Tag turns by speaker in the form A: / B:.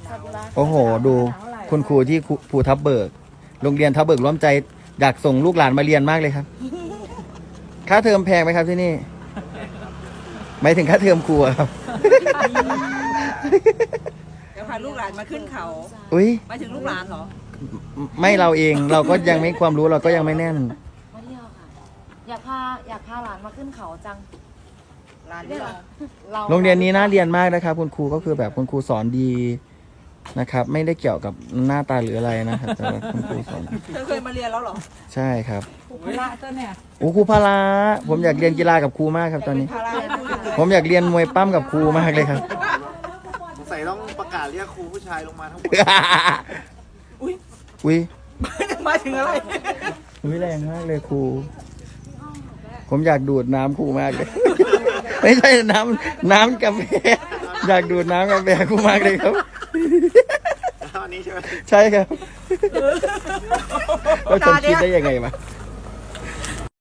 A: โอ้โหดูคุณครูที่ภูทับเบิกโรงเรียนทับเบิกร่วมใจอยากส่งลูกหลานมาเรียนมากเลยครับค่าเทอมแพงไหมครับที่นี่หมายถึงค่าเทอมครูครับ
B: เดี๋ยวพาลูกหลานมาขึ้นเขา
A: อุ้ย
B: มาถึงลูกหลานเหรอ
A: ไม่เราเองเราก็ยังไม่ความรู้เราก็ยังไม่แน่น
C: มาเที่ยวค่ะอยากพาหลานมาขึ้นเขาจัง
B: หลานที่เรา
A: โรงเรียนนี้น่าเรียนมากนะครับคุณครูก็คือแบบคุณครูสอนดีนะครับ ไม่ได้เกี่ยวกับหน้าตาหรืออะไรนะครับแต่ว่าคุณครูสอน
B: เธอเคยมาเรียนแล้วเหรอ
A: ใช่ครับ
B: พละเจ้าเนี่ย
A: โอ้ครูพละผมอยากเรียนกีฬากับครูมากครับตอนนี้
B: พละพูดเลย
A: ผมอยากเรียนมวยปั้มกับครูมากเลยครับ
D: สงสัยต้องประกาศเรียกครูผู้ชายลงมาทั้งหมด
B: อุ้ย
A: อุ้ย
B: มาถึงอะไร
A: อุ้ยแรงมากเลยครู ผมอยากดูดน้ำครูมากเลย ไม่ใช่น้ำกาแฟอยากดูดน้ำกาแฟครูมากเลยครับ
D: อันนี้ใช่ไหม
A: ใช่ครับว่าฉันคิดได้ยังไงมา